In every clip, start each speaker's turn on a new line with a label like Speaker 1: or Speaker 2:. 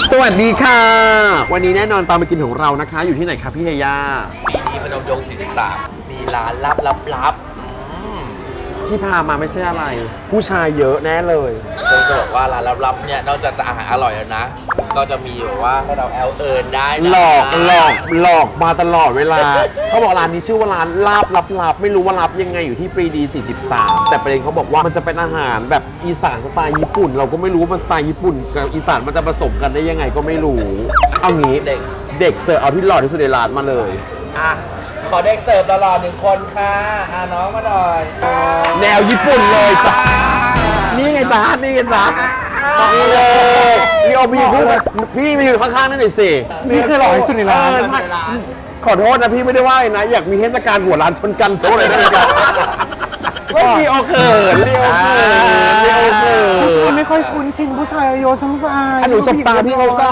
Speaker 1: สวัสดีค่ะวันนี้แน่นอนตามไปกินของเรานะคะอยู่ที่ไหนครับพี่เฮย่า
Speaker 2: ปีนี้พนมยงค์43มีร้านลับ
Speaker 1: ที่พามาไม่ใช่อะไรผู้ชายเยอะแน่เลย
Speaker 2: จะบอกว่าร้านลับๆเนี่ยนอกจากจะอาหารอร่อยแล้วนะก็จะมีแบบว่าให้เราแอลเอิญได้นะ
Speaker 1: หลอกมาตลอดเวลาเขาบอกร้านนี้ชื่อว่าร้านลาบลับไม่รู้ว่าลับยังไงอยู่ที่ปรีดี43แต่ประเด็นเขาบอกว่ามันจะเป็นอาหารแบบอีสานสไตล์ญี่ปุ่นเราก็ไม่รู้ว่ามันสไตล์ญี่ปุ่นกับอีสานมันจะผสมกันได้ยังไงก็ไม่รู้เอางี้เด็กเสิร์ฟเอาที่หล่อที่สุดในร้านมาเลย
Speaker 2: อ่ะขอเด็กเสิร์ฟหล่อๆ1 คนค่ะน้องมาหน่อย
Speaker 1: แนวญี่ปุ่นเลยจ้ะนี่ไงจ๊ะนี่ไงจ๊ะนี่เลยพี่โอพี่พูดพี่มาอยู่ข้างๆนั่นหน่อยสิ
Speaker 3: นี่คือหล่อที่สุดในร้าน
Speaker 1: ขอโทษนะพี่ไม่ได้ว่านะอยากมีเทศกาลหัวร้านชนกันโชว์เลยได้ไหมครับก็มีโอเขินเรียวเขิน
Speaker 3: ผู้ชายไม่ค่อยคุ้นชินผู้ชายโยนช่างใจ
Speaker 1: หนูสบตาพี่เขาก็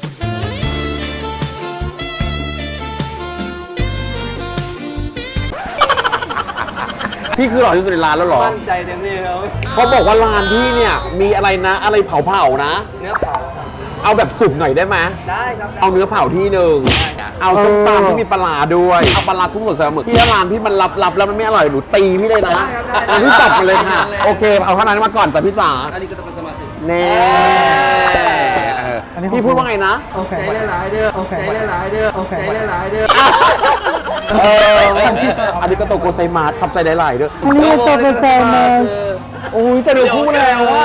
Speaker 1: พี่คือหล่อที่สุดในร้านแล้วหรอ
Speaker 2: มั่นใจเต็มที่แล้ว
Speaker 1: เขาบอกว่าร้านพี่เนี่ยมีอะไรนะอะไรเผานะ
Speaker 2: เนื้อเผา
Speaker 1: เอาแบบสุกหน่อยได้ไหม
Speaker 2: ได้ครับ
Speaker 1: เอาเนื้อเผาที่หนึ่งเอาส้มตำที่มีปลาด้วยเอาปลาทุกหมดเสมอพี่ร้านพี่มันลับแล้วมันไม่อร่อยหนูตีพี่เลยนะพี่จัดมาเลยค่ะโอเคเอาเท่านั้นมาก่อนจ้ะพี่จ๋า
Speaker 2: อันนี้ก็ต้องเป็นสมาชิก
Speaker 1: แน่พี่พูดว่าไงนะ
Speaker 2: ใจได้หลายเด้อใจได้หลายเด้อใจได้หลายเด้อ
Speaker 1: อันนี้ก็โตโกไซมาสขับใจได้หลายเด้อ
Speaker 3: อันนี้โตโกไซมาส
Speaker 1: โอ้ยจะดูพูดแล้วว่า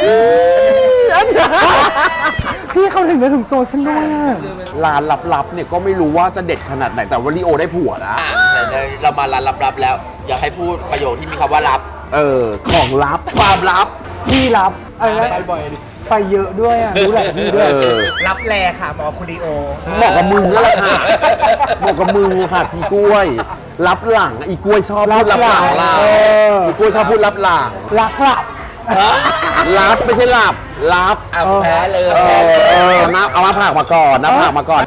Speaker 3: พี่เขาถึงได้ถึงตัวฉันด้วย
Speaker 1: ร้านลับๆเนี่ยก็ไม่รู้ว่าจะเด็ดขนาดไหนแต่ว่าลีโอได้ผัวนะ
Speaker 2: เรามาร้านลับๆแล้วอยากให้พูดประโยคที่มีคำว่าลับ
Speaker 1: ของลับ
Speaker 2: ความลับ
Speaker 3: ที่ลับอะไรนะ
Speaker 2: ไปบ่อย
Speaker 3: ไปเยอะด้วยอ่ะรู้หลายที่ด้วย
Speaker 2: รับแลค่ะหมอคุริโอ
Speaker 1: บอกกับมึงนั่นแหละค่ะบอกกับมึงค่ะพี่กล้วยรับหลังอีกล้วยชอบพูดรับหลังอีกล้วยชอบพูดรับหลัง
Speaker 3: ลับ
Speaker 1: รับไม่ใช่หลับรับ
Speaker 2: แพ้เลย
Speaker 1: นับเอามาผักมาก่อนนับผักมาก่อน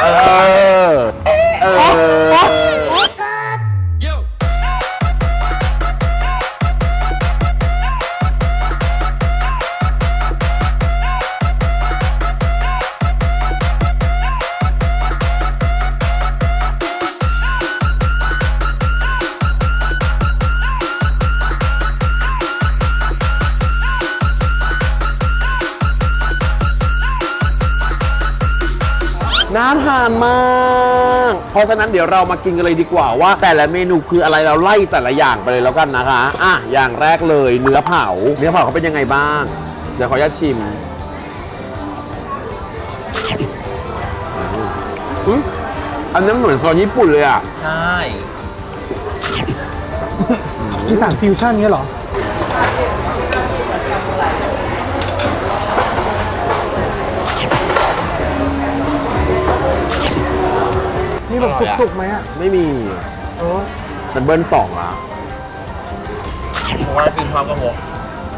Speaker 1: น่าทานมากเพราะฉะนั้นเดี๋ยวเรามากินกันเลยดีกว่าว่าแต่ละเมนูคืออะไรเราไล่แต่ละอย่างไปเลยแล้วกันนะคะอย่างแรกเลยเนื้อเผาเขาเป็นยังไงบ้างเดี๋ยวขออนุญาตชิมอันนี้เหมือนซอสญี่ปุ่นเลยอ่ะ
Speaker 2: ใช่
Speaker 3: อีสานฟิวชั่นเงี้ยเหรอนี่แบบสุกๆไหมอ่ะ
Speaker 1: ไม่มีฉันเบิ้ล2อ่ะ
Speaker 2: ผมว่ากินความกระหก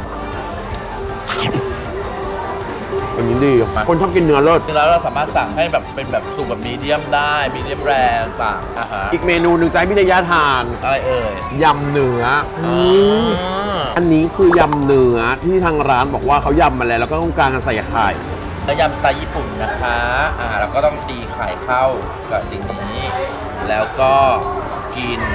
Speaker 1: อันนี้ดีคนชอบกินเนื้อเลิศ
Speaker 2: แล้วเราสามารถสั่งให้แบบเป็นแบบสุกแบบมีเดียมได้มีเดียมแรร์ต่าง
Speaker 1: อีกเมนูหนึ่งใจพี่นายาทาน
Speaker 2: อะไร
Speaker 1: ยำเนื้ออันนี้คือยำเนื้อที่ทางร้านบอกว่าเขายำมาแล้วก็ต้องการใส่ไข่
Speaker 2: แล้วยำสไตล์ญี่ปุ่นนะคะเราก็ต้องตีไข่เข้ากับสิ่งนี้แล้วก็กิน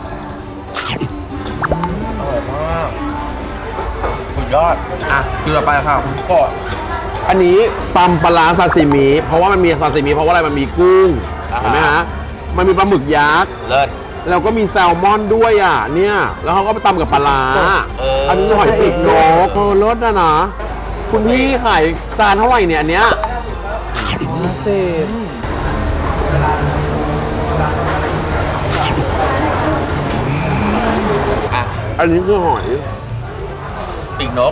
Speaker 2: อร่อยมากสุดยอดคือต่อไปค่ะคุณกด
Speaker 1: อันนี้ตำปลาซาซิมิเพราะว่ามันมีซาซิมิเพราะว่าอะไรมันมีกุ้งเห็นไหมฮะมันมีปลาหมึกยักษ์
Speaker 2: เลิศ
Speaker 1: แล้วก็มีแซลมอนด้วยเนี่ยแล้วเขาก็ไปตำกับปลาอันนี้หอยปีกนกเลิศนะคุณพี่ขายจานเท่าไหร่เนี่ยอันเนี้ยอันนี้คือหอย
Speaker 2: ปีกนก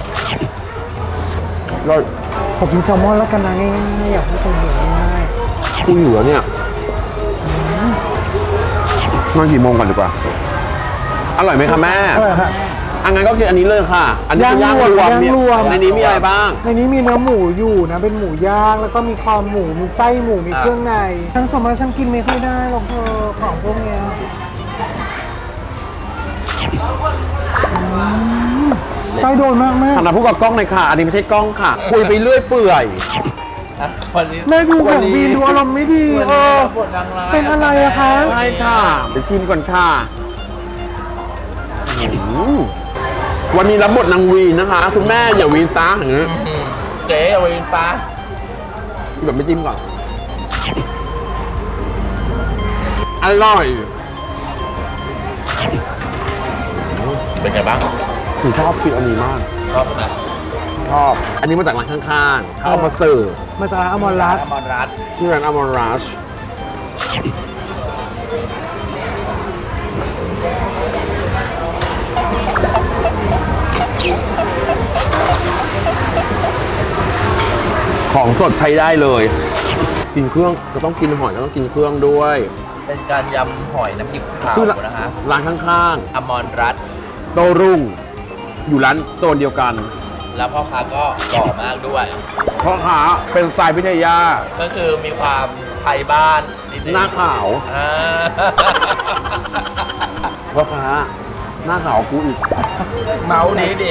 Speaker 3: ผมกินแซลมอนแล้วกันนะง่ายๆอยากให้คนเห็นง่าย
Speaker 1: ๆคุณอยู่แล้วเนี่ยนอนกี่โมงก่อนดีกว่าอร่อยไหมคะแม่
Speaker 3: อร่อยค่ะ
Speaker 1: งั้นก็กินอันนี้เลยค่ะอันนี้ย่างรวมในนี้มีอะไรบ้าง
Speaker 3: ในนี้มีเนื้อหมูอยู่นะเป็นหมูย่างแล้วก็มีคอหมูมีไส้หมูมีเครื่องในทั้งสมมติฉันกินไม่ค่อยได้หรอกของพวกเนี้ย ไส้โดนมากแม่
Speaker 1: หันมาพูดกับกล้องหน่อยค่ะอันนี้ไม่ใช่กล้องค่ะคุยไปเรื่อยเปื่อย
Speaker 2: อ่ะวันนี้
Speaker 3: แม่ดูของวีนดูอารมณ์ไม่ดี
Speaker 2: วัน
Speaker 3: เอ
Speaker 2: นี้
Speaker 3: อ
Speaker 2: รับบทนางร้าย
Speaker 3: เป็นอะไรอะคะ
Speaker 1: ใช่ค่ะเดี๋ยวชิมก่อนค่ะวันนี้รับบทนางวีนนะคะ คุณแม่อย่าวีนตาอย่างนี้
Speaker 2: เจ๊เอาไปเป็นปลา
Speaker 1: แบบไม่จิ้มก่อน อร่อย
Speaker 2: เป็นไงบ้าง
Speaker 1: ผมชอบกินอันนี้มาก
Speaker 2: ชอบไหม
Speaker 1: ชอบ อันนี้มาจากร้านข้างๆ เขาเอามาเสิร์ฟ
Speaker 3: มาจากร้านอมรรัตน์
Speaker 2: อมรรัตน์
Speaker 1: ชื่อร้านอมรัชของสดใช้ได้เลย กินเครื่องจะต้องกินหอยก็ต้องกินเครื่องด้วย
Speaker 2: เป็นการยำหอยน้ำพริกเผา
Speaker 1: ชื่อ
Speaker 2: นะคะ
Speaker 1: ร้านข้าง
Speaker 2: อมรรัตน์
Speaker 1: ๆ โตรุ่ง อยู่ร้านโซนเดียวกัน
Speaker 2: แล้วพ่อค้าก็หล่อมากด้วย
Speaker 1: เพราะขาเป็นสไตล์พิทยา
Speaker 2: ก็คือมีความไทยบ้านนิดนึง
Speaker 1: หน้าขาว
Speaker 2: อ่า
Speaker 1: เพราะขาหน้าขาวกูอีก
Speaker 2: เมาดีดิ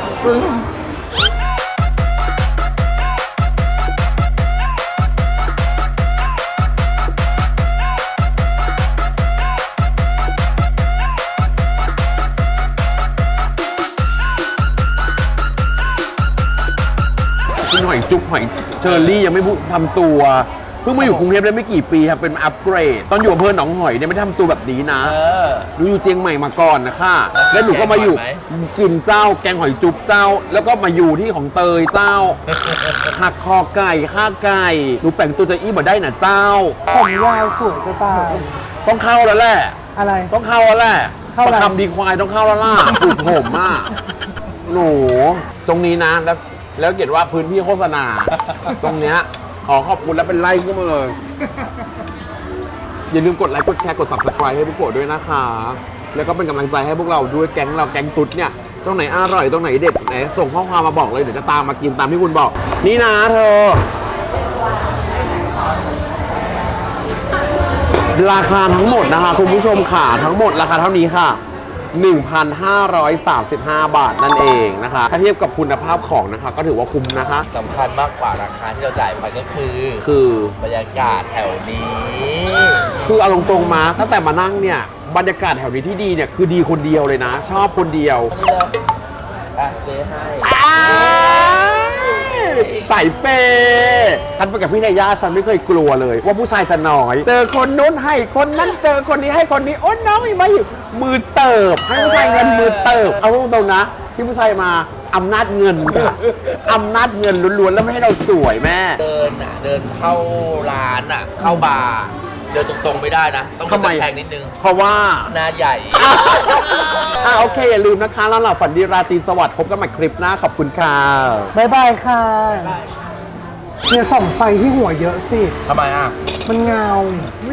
Speaker 1: กินหอยจุ๊บหอยเชอรี่ยังไม่พูดทำตัว เพิ่งมาอยู่กรุงเทพได้ไม่กี่ปีครับเป็นอัปเกรด ตอนอยู่อำเภอหนองหอยเนี่ยไม่ได้ทำตัวแบบนี้นะ
Speaker 2: เออ
Speaker 1: หนูอยู่เจียงใหม่มาก่อนนะคะแล้วหนูก็มาอยู่
Speaker 2: แกงหอยไหม
Speaker 1: กินเจ้าแกงหอยจุ๊บเจ้า แล้วก็มาอยู่ที่ของเตยเจ้า หักคอไก่ข้าไก่หนูแปลงตัวจะอี้มาได้น่ะเจ้า
Speaker 3: ผมยาวสวยจะตาย
Speaker 1: ต้องเข้าแล้วแหละ
Speaker 3: อะไร
Speaker 1: ต้องเข้าแล้วแหละ
Speaker 3: เข้าอะไร
Speaker 1: ประคำดีควายต้องเข้าแล้วล่ะปลูกผมอ่ะหนูตรงนี้นะแล้วเขียนว่าพื้นที่โฆษณา ตรงเนี้ยขอขอบคุณแล้วเป็นไล่ขึ้นมาเลย อย่าลืมกดไลค์กดแชร์กด subscribe ให้พวกโกะด้วยนะคะ แล้วก็เป็นกำลังใจให้พวกเราด้วยแก๊งเราแก๊งตุ๊ดเนี่ยตรงไหนอร่อยตรงไหนเด็ดไหนส่งข้อความมาบอกเลยเดี๋ยวจะตามมากินตามที่คุณบอก นี่นะเธอ ราคาทั้งหมดนะคะคุณผู้ชมค่ะทั้งหมดราคาเท่านี้ค่ะ 1,535 บาทนั่นเองนะคะ ถ้าเทียบกับคุณภาพของนะคะ ก็ถือว่าคุ้มนะคะ
Speaker 2: สำคัญมากกว่าราคาที่เราจ่ายไปก็คือ
Speaker 1: คือ
Speaker 2: บรรยากาศแถวนี้
Speaker 1: คือเอาตรงๆมาตั้งแต่มานั่งเนี่ยบรรยากาศแถวนี้ที่ดีเนี่ยคือดีคนเดียวเลยนะ ชอบคนเดียว
Speaker 2: นี่เลยอ่ะเจ๊ให้
Speaker 1: ใส่เปย์ฉันไปกับพี่นายาฉันไม่เคยกลัวเลย ว่าผู้ชายจะน้อย เจอคนนู้นให้คนนั้นเจอคนนี้ให้คนนี้โอ้น้องมีมาอยู่มือเติบให้ผู้ชายเงินมือเติบเอาตรงๆนะที่ผู้ชายมาอำนาจเงินค่ะอำนาจเงินล้วนๆแล้วไม่ให้เราสวยแม่
Speaker 2: เดินอ่ะ เดินเข้าร้านอ่ะ เข้าบาร์เดินตรงๆไม่ได้นะ ต้องเดิน
Speaker 1: ทำไม
Speaker 2: แพงนิดนึง
Speaker 1: เพราะว่า
Speaker 2: หน้าใหญ่
Speaker 1: โอเค อย่าลืมนะคะ แล้วเราฝันดีราตรีสวัสดิ์พบกันใหม่คลิปหน้า ขอบคุณค่ะ
Speaker 3: บ๊ายบายค่ะเนี่ยส่องไฟที่หัวเยอะสิ
Speaker 2: ทำไมอ่ะ
Speaker 3: มันเงา